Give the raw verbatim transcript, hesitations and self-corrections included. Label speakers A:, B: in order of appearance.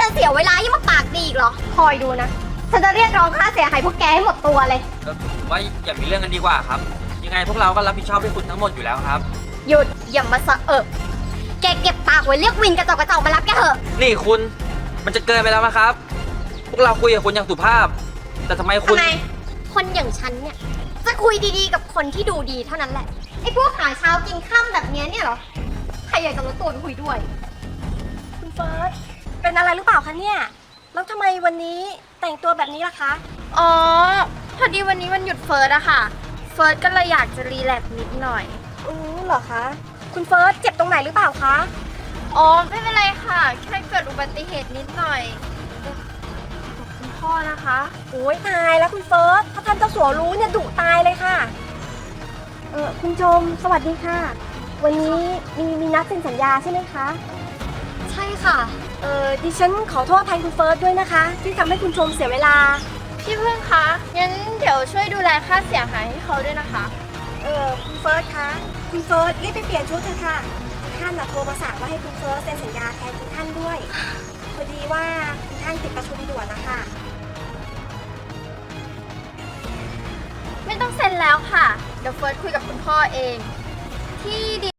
A: จะเสียเวลายิ่งมาปากดีอีกเหรอคอยดูนะฉันจะเรียกร้องค่าเสียหายพวกแกให้หมดตัวเลย
B: เออผมว่าอย่ามีเรื่องกันดีกว่าครับยังไงพวกเราก็รับผิดชอบให้คุณทั้งหมดอยู่แล้วครับ
A: หยุดอย่ามาสะเอะแกเก็บปากไว้เรียกวินกระจอกกระจอกมารับแกเถอะ
B: นี่คุณมันจะเกินไปแล้วนะครับพวกเราคุยกับคุณอย่างสุภาพแต่ทำไมคุณ
A: ทำไมคนอย่างฉันเนี่ยจะคุยดีๆกับคนที่ดูดีเท่านั้นแหละไอ้พวกหาเช้ากินค่ำแบบนี้เนี่ยเหรอใครอยากจะลดตัวไปคุยด้วย
C: คุณเฟิร์สเป็นอะไรหรือเปล่าคะเนี่ยแล้วทำไมวันนี้แต่งตัวแบบนี้ล่ะคะ
D: อ๋อพอดีวันนี้วันหยุดเฟิร์สอะค่ะเฟิร์สก็เลยอยากจะรีแลกซ์นิดหน่อย
C: อือเหรอคะคุณเฟิร์สเจ็บตรงไหนหรือเปล่าคะ
D: อ๋อไม่เป็นไรค่ะแค่เกิดอุบัติเหตุนิดหน่อยขอบคุณพ่อนะคะ
C: โอ้ยตายแล้วคุณเฟิร์สถ้าท่านเจ้าสัวรู้เนี่ยดุตายเลยค่ะเออคุณชมสวัสดีค่ะวันนี้มีมีนัดเซ็นสัญญาใช่ไหมคะ
A: ใช่ค่ะ
C: เออดิฉันขอโทษแทนคุณเฟิร์สด้วยนะคะที่ทำให้คุณชมเสียเวลา
D: พี่พึ่งคะงั้นเดี๋ยวช่วยดูแลค่าเสียหายให้เขาด้วยนะคะ
C: เออคุณเฟิร์สคะคุณเฟิร์สรีบไปเปลี่ยนชุดเถอะค่ะท่านโทรมาสั่งว่าให้คุณเฟิร์สเซ็นสัญญาแทนคุณท่านด้วยพอดีว่าคุณท่านติดประชุมด่วนนะคะ
D: ไม่ต้องเซ็นแล้วค่ะเดี๋ยวเฟิร์สคุยกับคุณพ่อเองที่